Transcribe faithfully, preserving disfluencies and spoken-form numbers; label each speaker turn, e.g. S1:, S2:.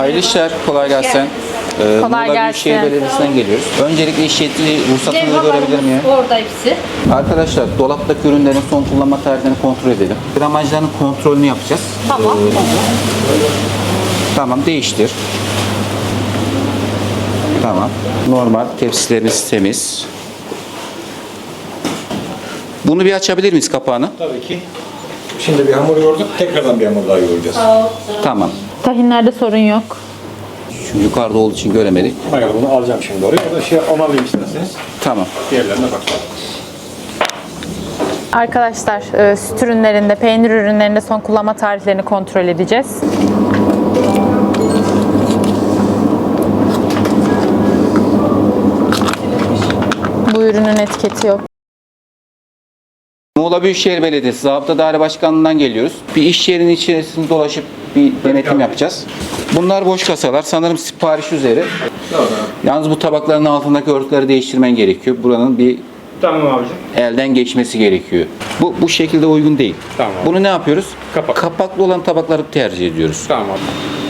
S1: Hayırlı işler, kolay gelsin. Ee,
S2: Kolay
S1: Muğla
S2: gelsin.
S1: Büyükşehir Belediyesi'nden geliyoruz. Öncelikle iş yetki ruhsatınızı görebilir miyim?
S3: Orada hepsi.
S1: Arkadaşlar, dolaptaki ürünlerin son kullanma tarihlerini kontrol edelim. Gramajlarının kontrolünü yapacağız.
S3: Tamam.
S1: Ee, tamam, değiştir. Tamam. Normal, tepsilerimiz temiz. Bunu bir açabilir miyiz kapağını?
S4: Tabii ki. Şimdi bir hamur yoğurduk, tekrardan bir hamur daha yoğuracağız.
S1: Tamam.
S2: Tahinlerde sorun yok.
S1: Şu yukarıda olduğu için göremedik.
S4: Hayır, bunu alacağım şimdi oraya. Orada şey onu alayım isterseniz.
S1: Tamam.
S4: Diğerlerine bakalım.
S2: Arkadaşlar e, süt ürünlerinde, peynir ürünlerinde son kullanma tarihlerini kontrol edeceğiz. Bu ürünün etiketi yok.
S1: Muğla Büyükşehir Belediyesi Zabıta Daire Başkanlığı'ndan geliyoruz. Bir iş yerinin içerisinde dolaşıp bir denetim yapacağız. Bunlar boş kasalar. Sanırım sipariş üzeri. Yalnız bu tabakların altındaki örtüleri değiştirmen gerekiyor. Buranın bir
S4: Tamam abicim.
S1: elden geçmesi gerekiyor. Bu bu şekilde uygun değil.
S4: Tamam.
S1: Bunu ne yapıyoruz?
S4: Kapak.
S1: Kapaklı olan tabakları tercih ediyoruz.
S4: Tamam abi.